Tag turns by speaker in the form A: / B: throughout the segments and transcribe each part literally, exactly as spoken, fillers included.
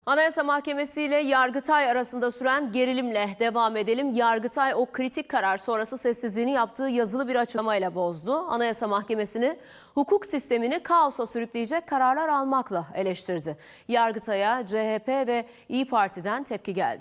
A: Anayasa Mahkemesi ile Yargıtay arasında süren gerilimle devam edelim. Yargıtay o kritik karar sonrası sessizliğini yaptığı yazılı bir açıklamayla bozdu. Anayasa Mahkemesi'ni hukuk sistemini kaosa sürükleyecek kararlar almakla eleştirdi. Yargıtay'a C H P ve İYİ Parti'den tepki geldi.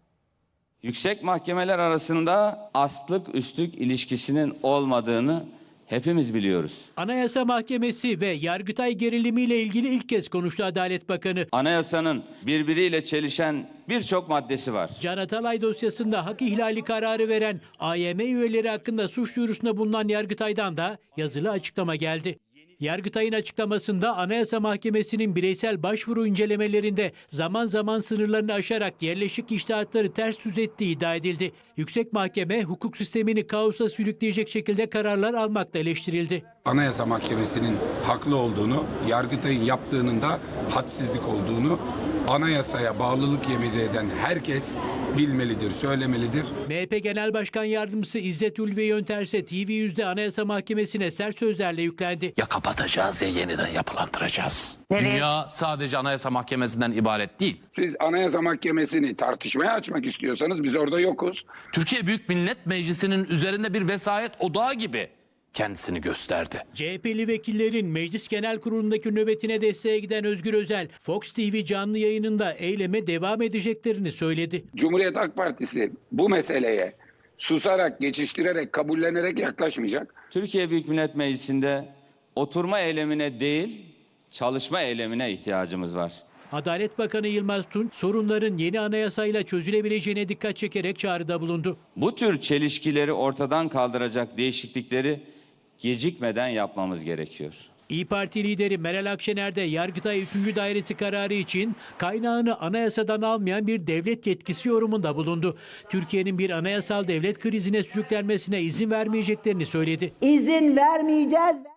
B: Yüksek mahkemeler arasında aslık üstlük ilişkisinin olmadığını hepimiz biliyoruz.
C: Anayasa Mahkemesi ve Yargıtay gerilimiyle ilgili ilk kez konuştu Adalet Bakanı.
B: Anayasanın birbiriyle çelişen birçok maddesi var.
C: Can Atalay dosyasında hak ihlali kararı veren A Y M üyeleri hakkında suç duyurusunda bulunan Yargıtay'dan da yazılı açıklama geldi. Yargıtay'ın açıklamasında Anayasa Mahkemesi'nin bireysel başvuru incelemelerinde zaman zaman sınırlarını aşarak yerleşik içtihatları ters düz ettiği iddia edildi. Yüksek Mahkeme hukuk sistemini kaosa sürükleyecek şekilde kararlar almakla eleştirildi.
D: Anayasa Mahkemesi'nin haklı olduğunu, Yargıtay'ın yaptığının da hadsizlik olduğunu anayasaya bağlılık yemin eden herkes bilmelidir, söylemelidir.
C: M H P Genel Başkan Yardımcısı İzzet Ulvi Yönter ise T V yüzde Anayasa Mahkemesi'ne sert sözlerle yüklendi.
E: Ya kapatacağız ya yeniden yapılandıracağız.
F: Nereye?
E: Dünya sadece Anayasa Mahkemesi'nden ibaret değil.
G: Siz Anayasa Mahkemesi'ni tartışmaya açmak istiyorsanız biz orada yokuz.
E: Türkiye Büyük Millet Meclisi'nin üzerinde bir vesayet odağı gibi kendisini gösterdi.
C: C H P'li vekillerin Meclis Genel Kurulu'ndaki nöbetine desteğe giden Özgür Özel, Fox T V canlı yayınında eyleme devam edeceklerini söyledi.
G: Cumhuriyet Halk Partisi bu meseleye susarak, geçiştirerek, kabullenerek yaklaşmayacak.
B: Türkiye Büyük Millet Meclisi'nde oturma eylemine değil, çalışma eylemine ihtiyacımız var.
C: Adalet Bakanı Yılmaz Tunç, sorunların yeni anayasayla çözülebileceğine dikkat çekerek çağrıda bulundu.
B: Bu tür çelişkileri ortadan kaldıracak değişiklikleri gecikmeden yapmamız gerekiyor.
C: İYİ Parti lideri Meral Akşener de Yargıtay üçüncü Dairesi kararı için kaynağını anayasadan almayan bir devlet yetkisi yorumunda bulundu. Türkiye'nin bir anayasal devlet krizine sürüklenmesine izin vermeyeceklerini söyledi.
F: İzin vermeyeceğiz.